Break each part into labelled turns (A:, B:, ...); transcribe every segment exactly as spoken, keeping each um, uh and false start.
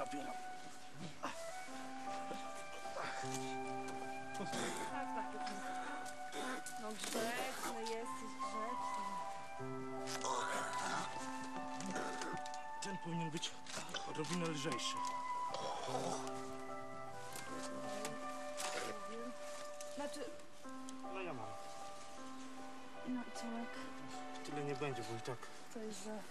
A: zabieram.
B: Tak, tak. No grzeczny jesteś, grzeczny.
A: Ten powinien być odrobinę lżejszy.
B: Znaczy...
A: No ja mam.
B: No i Czołek,
A: Tyle nie będzie, bo i tak.
B: co jest za...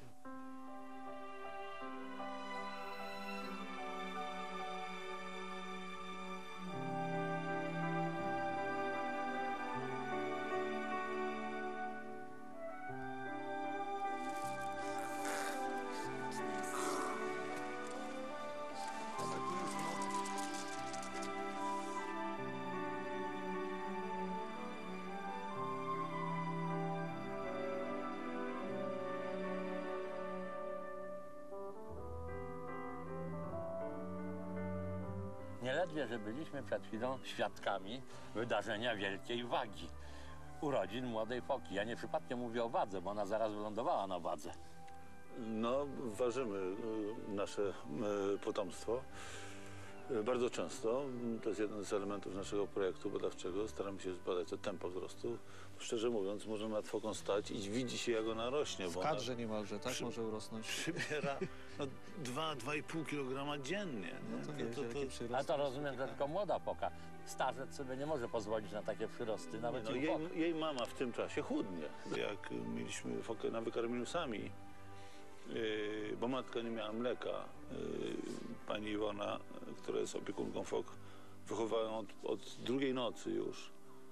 C: Nieledwie, że byliśmy przed chwilą świadkami wydarzenia wielkiej wagi. Urodzin młodej foki. Ja nie przypadkiem mówię o wadze, bo ona zaraz wylądowała na wadze.
D: No, ważymy y, nasze y, potomstwo. Y, Bardzo często. To jest jeden z elementów naszego projektu badawczego. Staramy się zbadać to tempo wzrostu. Szczerze mówiąc, możemy nad foką stać i widzi się, jak ona rośnie.
E: W kadrze niemalże, tak?
D: przy-
E: Może urosnąć.
D: Przybiera no, dwa do dwóch i pół kilograma dziennie. Nie?
E: No to nie, wielki przyrost.
C: Ale to rozumiem, że tylko młoda foka. Starzec sobie nie może pozwolić na takie przyrosty, nawet
D: No,
C: i u
D: jej,
C: fok.
D: jej mama w tym czasie chudnie. Jak mieliśmy fokę na wykarmieniu sami, yy, bo matka nie miała mleka, yy, pani Iwona, która jest opiekunką fok, wychowała ją od, od drugiej nocy już,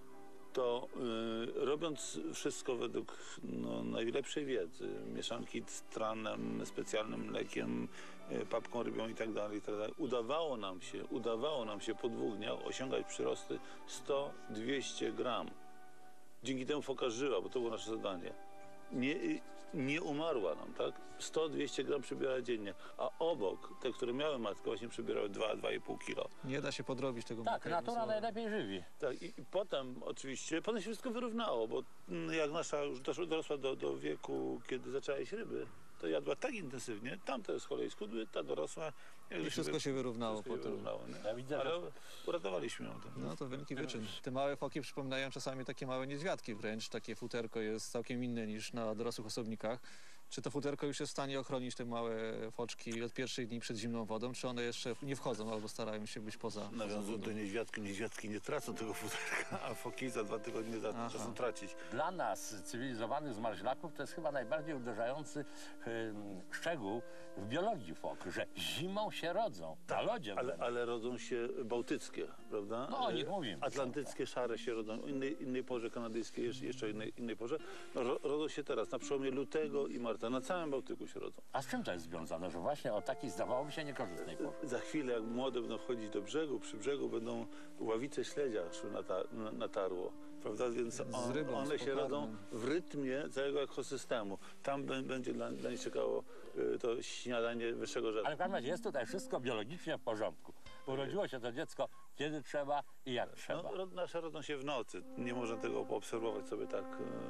D: to yy, robiąc wszystko według no, najlepszej wiedzy, mieszanki z tranem, specjalnym mlekiem, yy, papką rybią i tak dalej, i tak dalej, udawało nam się, udawało nam się po dwóch dniach osiągać przyrosty sto do dwustu gram. Dzięki temu foka żyła, bo to było nasze zadanie. Nie, nie umarła nam, tak? sto do dwustu gram przybiera dziennie, a obok te, które miały matkę, właśnie przybierały dwa do dwóch i pół kilo.
E: Nie da się podrobić tego
C: Tak,
E: mleka,
C: natura
E: jednym słowem.
C: najlepiej żywi.
D: Tak, i, i potem oczywiście, potem się wszystko wyrównało, bo mm, jak nasza już doszła, dorosła do, do wieku, kiedy zaczęła jeść ryby, to jadła tak intensywnie, tamte z kolei schudły, ta dorosła. Jak
E: I wszystko się wyrównało
D: wszystko się
E: potem.
D: wyrównało, nie?
C: Ja widzę,
D: Ale
C: że...
D: uratowaliśmy ją tym.
E: No to wielki wyczyn. Te małe foki przypominają czasami takie małe niedźwiadki wręcz. Takie futerko jest całkiem inne niż na dorosłych osobnikach. Czy to futerko już jest w stanie ochronić te małe foczki od pierwszych dni przed zimną wodą, czy one jeszcze nie wchodzą albo starają się być poza, poza
D: Nawiązując
E: wodą?
D: do niedźwiadki, niedźwiadki nie tracą tego futerka, a foki za dwa tygodnie
E: Aha.
D: zaczną tracić.
C: Dla nas, cywilizowanych zmarzlaków, to jest chyba najbardziej uderzający ym, szczegół w biologii fok, że zimą się rodzą, na lodzie.
D: Ale, ale rodzą się bałtyckie, prawda?
C: No, o nich mówimy.
D: Atlantyckie, szare się rodzą, o innej, innej porze, kanadyjskiej, jeszcze, jeszcze innej, innej porze. No, ro, rodzą się teraz, na przełomie lutego i marca, na całym Bałtyku się rodzą.
C: A z czym to jest związane, że właśnie o takiej zdawałoby się niekorzystnej porze?
D: Za chwilę, jak młode będą wchodzić do brzegu, przy brzegu będą ławice śledzia szły na, ta, na, na tarło, prawda? Więc on,
E: rybą,
D: one
E: z
D: się
E: pokarmem.
D: rodzą w rytmie całego ekosystemu. Tam b, będzie dla, dla nich czekało y, to śniadanie wyższego rzędu.
C: Ale w każdym razie jest tutaj wszystko biologicznie w porządku. Urodziło się to dziecko kiedy trzeba i jak trzeba.
D: No, ro, nasze rodzą się w nocy. Nie można tego poobserwować sobie tak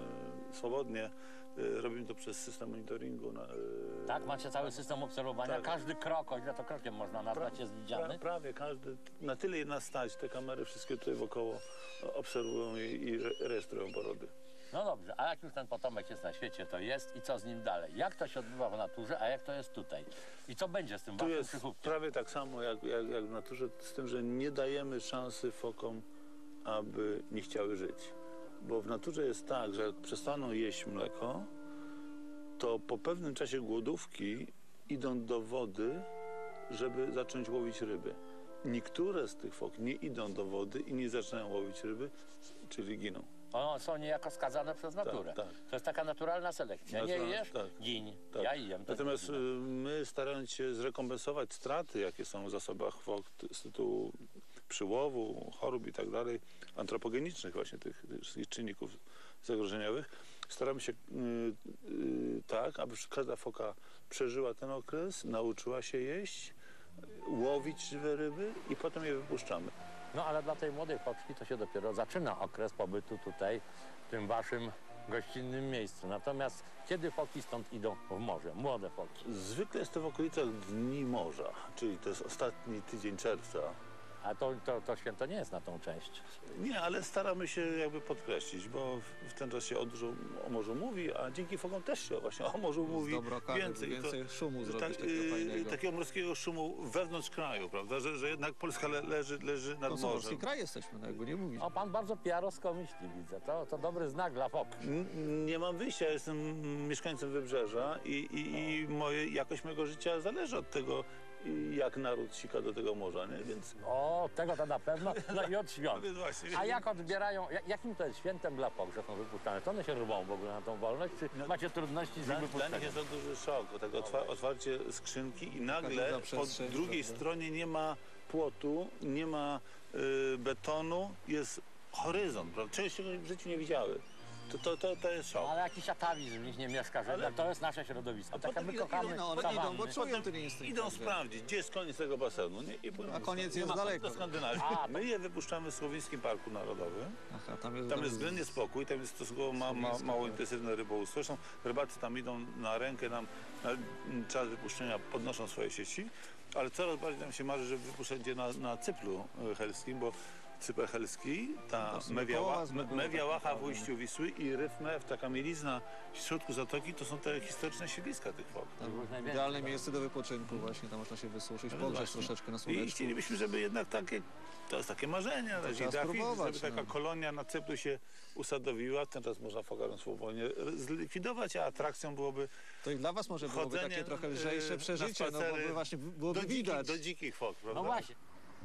D: e, swobodnie. E, robimy to przez system monitoringu. Na, e,
C: Tak, macie cały system obserwowania,
D: Tak.
C: każdy krok, o ile to krokiem można nazwać, jest widziany.
D: pra, prawie każdy, na tyle jedna stać, te kamery wszystkie tutaj wokoło obserwują i, i re- rejestrują porody.
C: No dobrze, a jak już ten potomek jest na świecie, to jest i co z nim dalej? Jak to się odbywa w naturze, a jak to jest tutaj? I co będzie z tym
D: Tu
C: waszym
D: jest
C: przychówkiem?
D: prawie tak samo jak, jak, jak w naturze, z tym, że nie dajemy szansy fokom, aby nie chciały żyć. Bo w naturze jest tak, że jak przestaną jeść mleko, to po pewnym czasie głodówki idą do wody, żeby zacząć łowić ryby. Niektóre z tych fok nie idą do wody i nie zaczynają łowić ryby, czyli giną.
C: One są niejako skazane przez naturę.
D: tak.
C: To jest taka naturalna selekcja. Nie
D: Naturalna,
C: jesz?
D: tak.
C: Gin.
D: Tak.
C: Ja jem. to
D: Natomiast
C: nie
D: y,
C: ginę.
D: my, starając się zrekompensować straty, jakie są w zasobach fok t- z tytułu przyłowu, chorób i tak dalej, antropogenicznych właśnie tych, tych wszystkich czynników zagrożeniowych, staramy się y, y, tak, aby każda foka przeżyła ten okres, nauczyła się jeść, łowić żywe ryby i potem je wypuszczamy.
C: No ale dla tej młodej foczki to się dopiero zaczyna okres pobytu tutaj, w tym waszym gościnnym miejscu. Natomiast kiedy foki stąd idą w morze? Młode foki.
D: Zwykle jest to w okolicach Dni Morza, czyli to jest ostatni tydzień czerwca.
C: A to, to, to święto nie jest na tą część.
D: Nie, ale staramy się jakby podkreślić, bo w- w ten czas się o dużo o morzu mówi, a dzięki fokom też się właśnie o morzu mówi
E: Dobroka,
D: więcej.
E: więcej szumu zrobić
D: tak,
E: takiego
D: y,
E: fajnego.
D: takiego morskiego szumu wewnątrz kraju, prawda, że, że jednak Polska le, leży, leży nad
E: To co, morski
D: morzem.
E: kraj jesteśmy, no jakby nie mówić.
C: O, pan bardzo piarowsko myśli, widzę. To, to dobry znak dla fok.
D: N- Nie mam wyjścia, jestem mieszkańcem Wybrzeża i, i, i moje, jakość mojego życia zależy od tego, jak naród sika do tego morza, nie? Więc,
C: O, tego to na pewno. No i od świąt.
D: więc właśnie.
C: A jak odbierają, jak- jakim to jest świętem dla fok, że są wypuszczane? To one się rwą w ogóle na tą wolność, czy
D: No,
C: macie trudności z
D: Dla, dla
C: wypuszczeniem?
D: nich jest to duży szok, bo tak otwa otwarcie skrzynki i nagle
E: duża
D: po
E: przestrzeń,
D: drugiej
E: prawda?
D: stronie nie ma płotu, nie ma y, betonu, jest horyzont, prawda? Czegoś, czego w życiu nie widziały. To, to, to, to jest szok.
C: Ale jakiś atawizm w nich nie mieszka, że
D: Ale-
C: to jest nasze środowisko. Tak jak
D: potem
C: my
D: idą-
C: kochamy
E: No one
C: sawanny.
E: idą, bo czują ten instynkt.
D: Idą
E: jakby.
D: sprawdzić, gdzie jest koniec tego basenu. Nie? I płyną
E: A
D: do
E: koniec
D: Skandynawii.
E: jest
D: Nie ma
E: daleko.
D: Do Skandynawii.
C: A, to-
D: My je wypuszczamy w Słowińskim Parku Narodowym.
E: Aha, tam jest,
D: Tam jest względnie spokój, tam jest stosunkowo ma, ma,
E: Słowiński,
D: mało
E: tak.
D: intensywne rybołówstwo. Zresztą rybacy tam idą na rękę, nam na czas wypuszczenia podnoszą swoje sieci, ale coraz bardziej nam się marzy, żeby wypuszczać je na, na cyplu e, helskim, bo Cypr helski, ta
E: To są
D: Mewia,
E: koła
D: Ła-
E: z
D: Me-
E: mgły,
D: Mewia
E: tak
D: Łacha w
E: naprawdę.
D: ujściu Wisły i Ryf Mew, taka mielizna w środku zatoki, to są te historyczne siedliska tych fok.
E: Tam
C: najwięcej,
E: idealne
C: tak.
E: miejsce do wypoczynku właśnie, tam można się wysuszyć,
D: No
E: pogrzeć
D: właśnie.
E: troszeczkę na
D: I
E: słoneczku.
D: chcielibyśmy, żeby jednak takie, to jest takie marzenie na razie,
E: trzeba
D: trafić,
E: spróbować,
D: żeby taka
E: no.
D: kolonia na Cypru się usadowiła. Ten czas można fokarem swobodnie zlikwidować, a atrakcją byłoby
E: To i dla was może byłoby
D: chodzenie,
E: takie trochę
D: e,
E: lżejsze
D: na
E: przeżycie, no bo
D: spacery
E: by właśnie byłoby
D: do dzikich,
E: widać.
D: do dzikich fok, prawda?
C: No właśnie.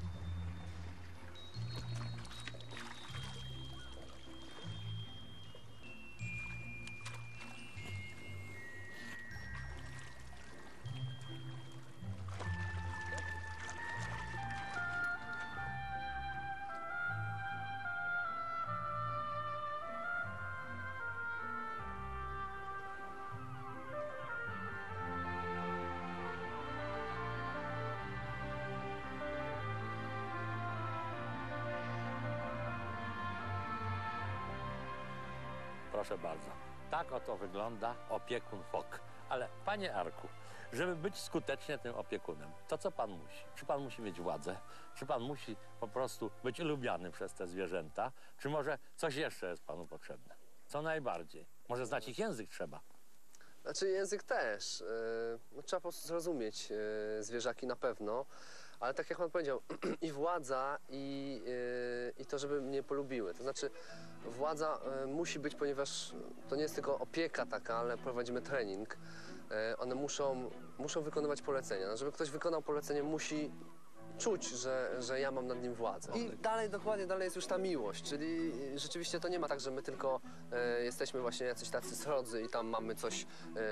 C: Proszę bardzo. Tak oto wygląda opiekun fok. Ale panie Arku, żeby być skutecznie tym opiekunem, to co pan musi? Czy pan musi mieć władzę? Czy pan musi po prostu być lubiany przez te zwierzęta? Czy może coś jeszcze jest panu potrzebne? Co najbardziej? Może znać ich język trzeba?
F: Znaczy język też. Yy, no, trzeba po prostu zrozumieć yy, zwierzaki na pewno, ale tak jak pan powiedział, i władza, i, yy, i to, żeby mnie polubiły. To znaczy władza yy, musi być, ponieważ to nie jest tylko opieka taka, ale prowadzimy trening. Yy, one muszą, muszą wykonywać polecenia. No, żeby ktoś wykonał polecenie, musi czuć, że, że ja mam nad nim władzę. I dalej, dokładnie, dalej jest już ta miłość, czyli rzeczywiście to nie ma tak, że my tylko e, jesteśmy właśnie jacyś tacy srodzy i tam mamy coś,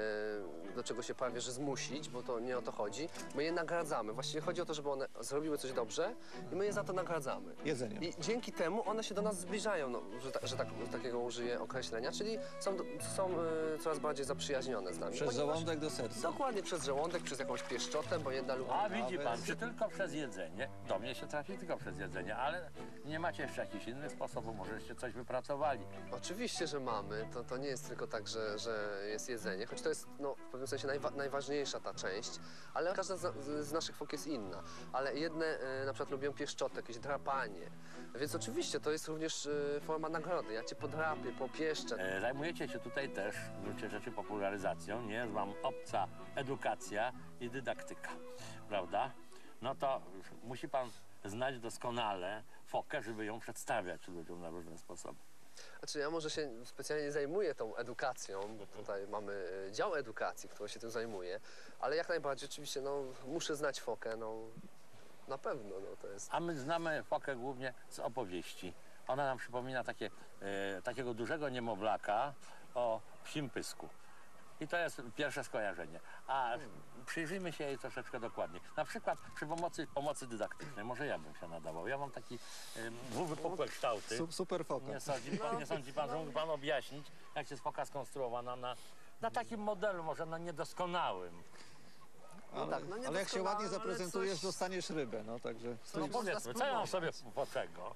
F: e, do czego się prawie że zmusić, bo to nie o to chodzi. My je nagradzamy. Właściwie chodzi o to, żeby one zrobiły coś dobrze i my je za to nagradzamy.
E: Jedzeniem.
F: I dzięki temu one się do nas zbliżają, no, że, ta, że tak, takiego użyję określenia, czyli są, do- są e, coraz bardziej zaprzyjaźnione z nami.
E: Przez
F: ponieważ-
E: żołądek do serca.
F: Dokładnie, przez żołądek, przez jakąś pieszczotę, bo jedna lubi...
C: A widzi pan,
E: Nawet-
C: czy tylko przez jedzenie? Do mnie się trafi tylko przez jedzenie, ale nie macie jeszcze jakichś innych sposobów, możeście coś wypracowali.
F: Oczywiście, że mamy. To, to nie jest tylko tak, że, że jest jedzenie, choć to jest no, w pewnym sensie najwa najważniejsza ta część, ale każda z, z naszych fok jest inna. Ale jedne e, na przykład lubią pieszczotę, jakieś drapanie. Więc oczywiście to jest również e, forma nagrody. Ja cię podrapię, popieszczę.
C: E, Zajmujecie się tutaj też w gruncie rzeczy popularyzacją, nie jest wam obca edukacja i dydaktyka, prawda? No to musi pan znać doskonale fokę, żeby ją przedstawiać ludziom na różne sposoby.
F: Znaczy ja może się specjalnie nie zajmuję tą edukacją, bo tutaj mamy e, dział edukacji, który się tym zajmuje, ale jak najbardziej oczywiście no, muszę znać fokę, no na pewno no, to jest...
C: A my znamy fokę głównie z opowieści. Ona nam przypomina takie, e, takiego dużego niemowlaka o psim pysku. I to jest pierwsze skojarzenie. A przyjrzyjmy się jej troszeczkę dokładniej. Na przykład przy pomocy, pomocy dydaktycznej. Może ja bym się nadawał. Ja mam taki e, dwuwypukłe kształty.
E: Su super foka.
C: Nie sądzi pan, nie sądzi pan, że mógł pan objaśnić, jak jest foka skonstruowana na, na takim modelu, może na niedoskonałym.
E: Ale,
F: tak, no nie
E: ale jak się
F: doskonale,
E: ładnie
F: ale
E: zaprezentujesz,
F: coś-
E: dostaniesz rybę, no także...
C: No powiedzmy, co ja mam sobie po czego?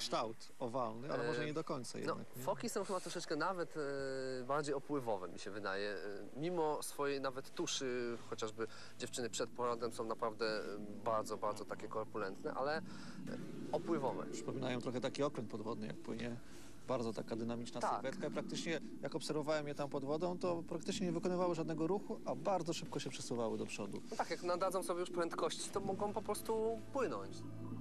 E: kształt owalny, ale może nie do końca
F: No,
E: jednak. nie?
F: foki są chyba troszeczkę nawet e, bardziej opływowe, mi się wydaje. E, mimo swojej nawet tuszy, chociażby dziewczyny przed porodem są naprawdę e, bardzo, bardzo takie korpulentne, ale e, opływowe.
E: Przypominają trochę taki okręt podwodny, jak płynie. Bardzo taka dynamiczna
F: Tak.
E: sylwetka i praktycznie, jak obserwowałem je tam pod wodą, to praktycznie nie wykonywały żadnego ruchu, a bardzo szybko się przesuwały do przodu.
F: No tak, jak nadadzą sobie już prędkości, to mogą po prostu płynąć.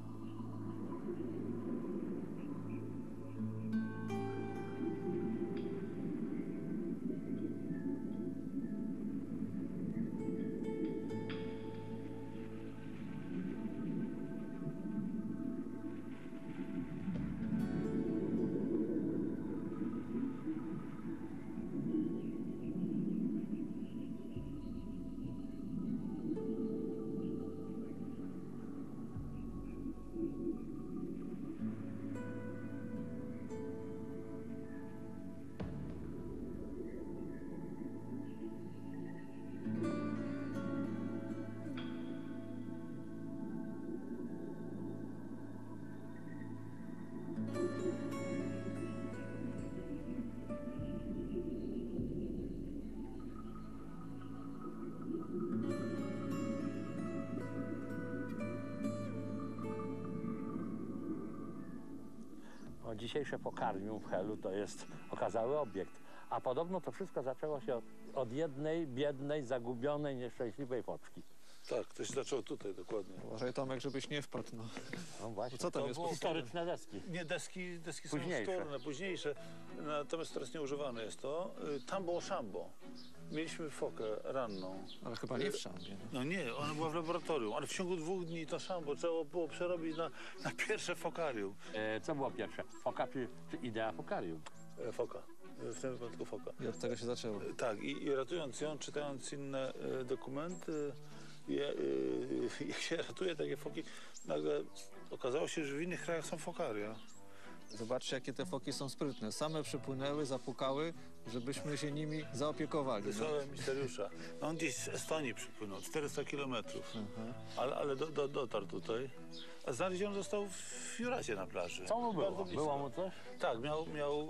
C: O, dzisiejsze pokarmium w Helu to jest okazały obiekt. A podobno to wszystko zaczęło się od, od jednej biednej, zagubionej, nieszczęśliwej foczki.
D: Tak, to się zaczęło tutaj dokładnie.
E: Uważaj, Tomek, żebyś nie wpadł. No.
C: No właśnie.
E: Co tam
D: To
E: jest?
D: było-
C: Historyczne deski.
D: Nie, deski, deski są
C: Późniejsze.
D: wtórne, późniejsze, natomiast teraz nieużywane jest to. Y, Tam było szambo. Mieliśmy fokę ranną.
E: Ale chyba nie w szambie. No.
D: No nie, ona była w laboratorium, ale w ciągu dwóch dni to szambo trzeba było przerobić na, na pierwsze fokarium.
C: E, co było pierwsze? Foka czy, czy idea fokarium?
D: E, Foka, e, w tym wypadku foka.
E: I od tego się zaczęło.
D: E, Tak, i, i ratując ją, czytając inne e, dokumenty, je, e, jak się ratuje takie foki, nagle okazało się, że w innych krajach są fokaria.
E: Zobaczcie, jakie te foki są sprytne. Same przypłynęły, zapukały, żebyśmy się nimi zaopiekowali. No.
D: Wysłałem misteriusza. No on gdzieś z Estonii przypłynął, czterysta kilometrów, ale, ale do, do, dotarł tutaj. A znaleziony został w Juracie na plaży.
C: Co mu było?
D: Bardzo blisko.
C: Było mu coś?
D: Tak, miał, miał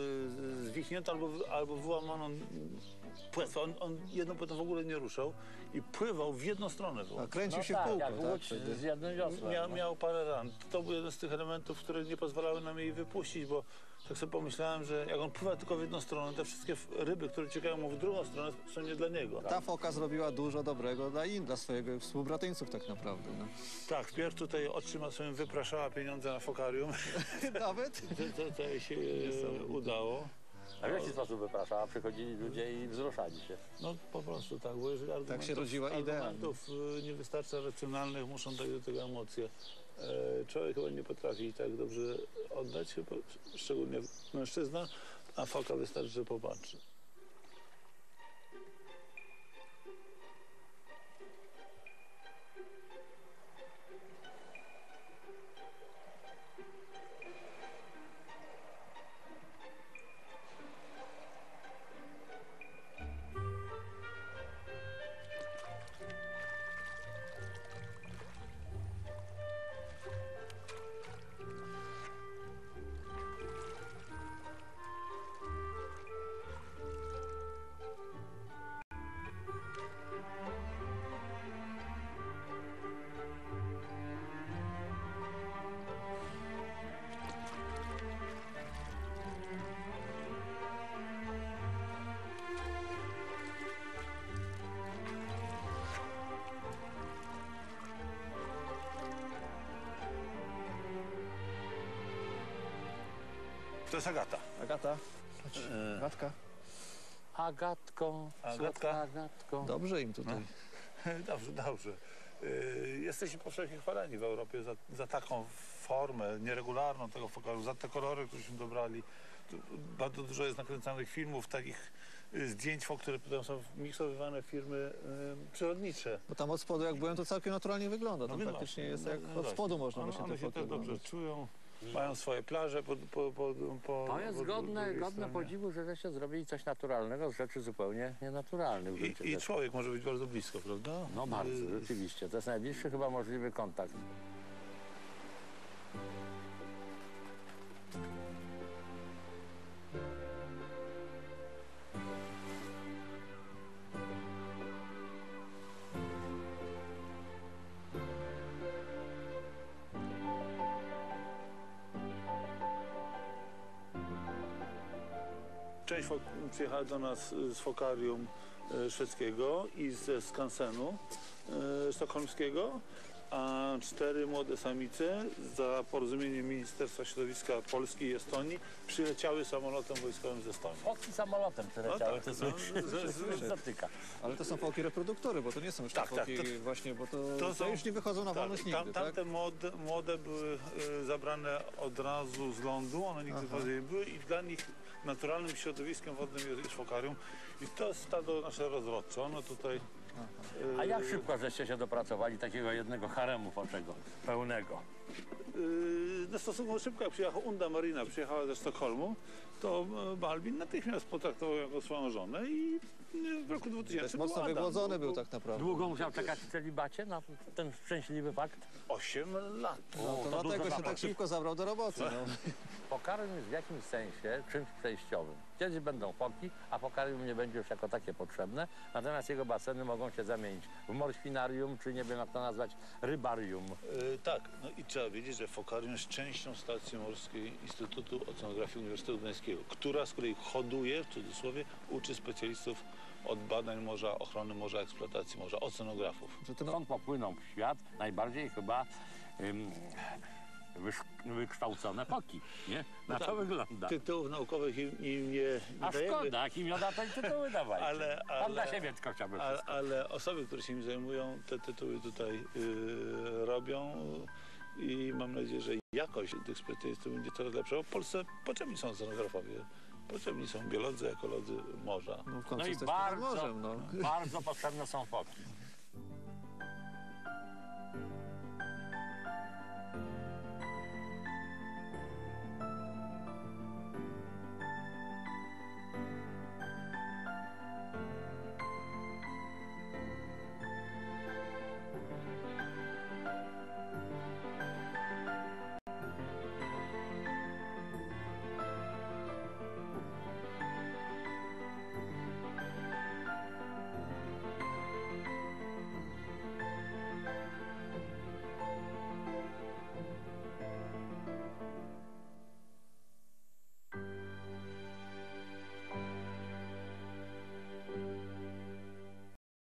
D: y, zwichniętą albo, albo wyłamaną płetwę. On, on jedną płetwą w ogóle nie ruszał i pływał w jedną stronę.
E: A kręcił
C: No
E: się
C: tak,
E: w kółko,
C: jak
E: tak?
C: łódź
E: wtedy.
C: z jednym wiosłem.
D: Mia,
C: no.
D: miał parę ran. To był jeden z tych elementów, które nie pozwalały nam jej wypuścić, bo tak sobie pomyślałem, że jak on pływa tylko w jedną stronę, te wszystkie ryby, które ciekają mu w drugą stronę, są nie dla niego.
E: Ta foka zrobiła dużo dobrego dla in, dla swojego współbratyńców tak naprawdę. No.
D: Tak, wpierw tutaj oczyma sobie wypraszała pieniądze na fokarium.
E: Nawet?
D: To, to, to jej się e, udało.
C: A w jaki sposób wypraszała? Przychodzili ludzie i wzruszali się.
D: No po prostu tak, bo jeżeli argumentów,
E: się rodziła idea.
D: argumentów y, nie wystarcza racjonalnych, muszą dać do tego emocje. E, człowiek chyba nie potrafi tak dobrze oddać, chyba, szczególnie mężczyzna, a foka wystarczy, że popatrzy. To jest Agata.
E: Agata, chodź. Agatka.
C: Agatką,
D: Agatka.
C: słodka Agatką.
E: Dobrze im tutaj.
D: Dobrze, dobrze. Y, Jesteśmy powszechnie chwaleni w Europie za, za taką formę nieregularną tego fokalu, za te kolory, któreśmy dobrali. Tu bardzo dużo jest nakręcanych filmów, takich y, zdjęć fok, które potem są miksowywane w firmy y, przyrodnicze.
E: Bo tam od spodu jak byłem, to całkiem naturalnie wygląda. Tam
D: więc
E: praktycznie
D: właśnie,
E: jest
D: no,
E: jak
D: no
E: od
D: właśnie.
E: spodu można
D: one,
E: właśnie
D: one
E: te
D: się
E: foki
D: też dobrze
E: oglądać.
D: czują, mają swoje plaże po, po, po, po
C: To jest
D: po
C: godne,
D: drugiej
C: godne
D: stronie.
C: podziwu, że żeście zrobili coś naturalnego z rzeczy zupełnie nienaturalnych. w gruncie
D: I, I
C: rzeczy.
D: człowiek może być bardzo blisko, prawda?
C: No bardzo,
D: Y,
C: rzeczywiście. To jest najbliższy chyba możliwy kontakt.
D: Część fok przyjechała do nas z fokarium e, szwedzkiego i ze skansenu e, sztokholmskiego, a cztery młode samice za porozumieniem Ministerstwa Środowiska Polski i Estonii przyleciały samolotem wojskowym ze Estonii.
C: Foki samolotem przyleciały,
D: No tak,
C: to
D: no,
C: słyszy,
D: z- z-
C: słyszy, dotyka.
E: Ale to są foki reproduktory, bo to nie są już
D: Tak,
E: te
D: tak,
E: foki
D: to-
E: właśnie, bo to,
D: to
E: to,
D: są-
E: już nie wychodzą na
D: Tak,
E: wolność
D: tam,
E: nigdy, tak?
D: tamte młode, młode były e, zabrane od razu z lądu, one nigdy
E: Aha.
D: wody nie były i dla nich naturalnym środowiskiem wodnym jest, jest fokarium. I to jest stado nasze rozrodcze. Ono tutaj... e,
C: A jak szybko żeście się dopracowali takiego jednego haremu foczego, pełnego?
D: Yy, no stosunkowo szybko, jak przyjechała Unda Marina, przyjechała ze Sztokholmu, to e, Balbin natychmiast potraktował jako swoją żonę i e, w roku
E: To jest
D: dwutysięcznym
E: mocno
D: był Adam.
E: wygłodzony był
D: Był
E: tak naprawdę.
C: Długo musiał czekać w celibacie na ten szczęśliwy fakt?
D: osiem lat.
E: No,
C: O,
E: to
C: to
E: dlatego
C: dużo
E: się tak
C: zabawy.
E: szybko zabrał do roboty. No.
C: Fokarium jest w jakimś sensie czymś przejściowym. Kiedyś będą foki, a fokarium nie będzie już jako takie potrzebne, natomiast jego baseny mogą się zamienić w morświnarium, czy nie wiem jak to nazwać, rybarium.
D: E, tak, no i trzeba wiedzieć, że fokarium jest częścią stacji morskiej Instytutu Oceanografii Uniwersytetu Gdańskiego, która, z której hoduje, w cudzysłowie, uczy specjalistów od badań morza, ochrony morza, eksploatacji morza, oceanografów.
E: Że to no,
C: Stąd popłyną w świat najbardziej chyba ym, wysz- wykształcone foki, nie? Na to
D: tak.
C: wygląda.
D: Tytułów naukowych im, im nie, nie
C: A
D: dajemy,
C: szkoda, kim ja tej tytuły dawajcie.
D: ale,
C: Pan dla
D: ale,
C: siebie tylko chciałby
D: ale,
C: wszystko.
D: ale osoby, które się nim zajmują, te tytuły tutaj y, robią i mam nadzieję, że jakość tych specjalistów będzie coraz lepsza. Bo w Polsce potrzebni są oceanografowie, potrzebni są biolodzy, ekolodzy morza.
E: no w końcu
C: No i
E: jesteśmy nad
C: bardzo,
E: morzem, no.
C: bardzo potrzebne są foki.